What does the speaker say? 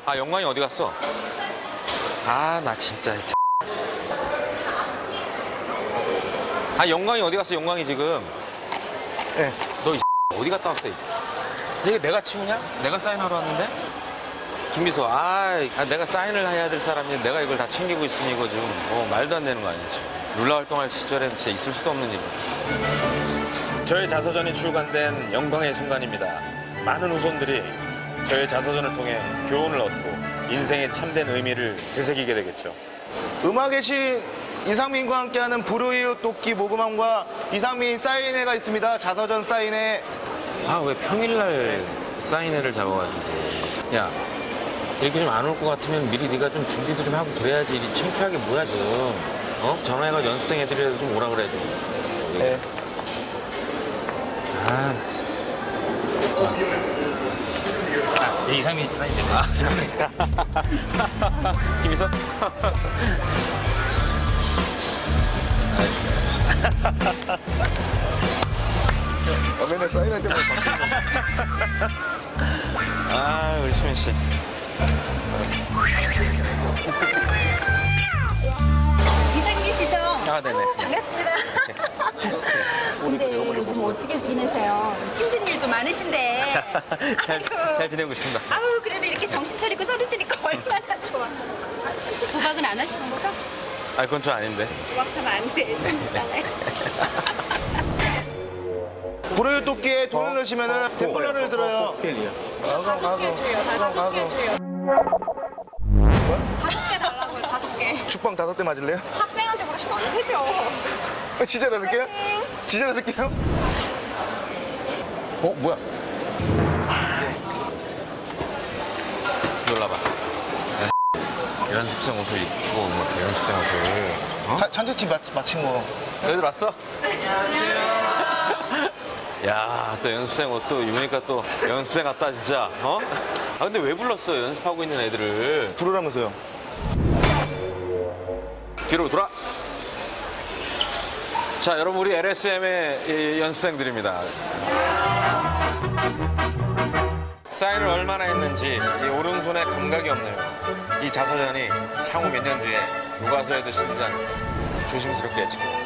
아, 영광이 어디 갔어? 아, 나 진짜. 아, 영광이 어디 갔어, 영광이 지금? 네. 너 어디 갔다 왔어? 이게 내가 치우냐? 내가 사인하러 왔는데? 김비서, 내가 사인을 해야 될 사람인데 내가 이걸 다 챙기고 있으니 이거 좀 말도 안 되는 거 아니지? 룰라 활동할 시절엔 진짜 있을 수도 없는 일. 저의 자서전이 출간된 영광의 순간입니다. 많은 후손들이 저의 자서전을 통해 교훈을 얻고 인생의 참된 의미를 되새기게 되겠죠. 음악의 신 이상민과 함께하는 불우이웃 돕기 모금함과 이상민 사인회가 있습니다. 자서전 사인회. 아, 왜 평일날 사인회를 잡아가지고. 야, 이렇게 좀 안 올 것 같으면 미리 네가 좀 준비도 좀 하고 그래야지. 이리 창피하게 뭐야 좀. 전화해가지고 연습생 애들이라도 좀 오라 그래 좀. 네. 아, 이상민 사인 때문에. 그러니까. 김희선? 맨날 사인할 때마다 아, 우리 수민 씨. 이상민씨죠? 아, 네네. 반갑습니다. 근데 요즘 어떻게 지내세요? 힘든 일도 많으신데. 잘 지내고 있습니다. 아우, 그래도 이렇게 정신 차리고 서로 주니까 얼마나 좋아. 도박은 안 하시는 거죠? 아, 그건 좀 아닌데. 도박하면 안 돼. 손이잖아요. 불우이웃 돕기에 돈을 넣으시면은 템플러를 들어요. 가고. 다섯 개 달라고요, 5개. 죽방 5대 맞을래요? 학생한테 그러시면 안 되죠. 진짜 넣을게요? 진짜 넣을게요? 뭐야? 놀라봐. 연습생 옷을 입고 온 것 같아, 연습생 옷을. 천재치 맞힌 거. 너희들 왔어? 야, 또 연습생 옷 또 입으니까 또 연습생 같다, 진짜. 아, 근데 왜 불렀어, 연습하고 있는 애들을? 부르라면서요. 뒤로 돌아. 자, 여러분, 우리 LSM의 연습생들입니다. 사인을 얼마나 했는지 이 오른손에 감각이 없네요. 이 자서전이 향후 몇 년 뒤에 교과서에도 실리지 않고 조심스럽게 지켜요.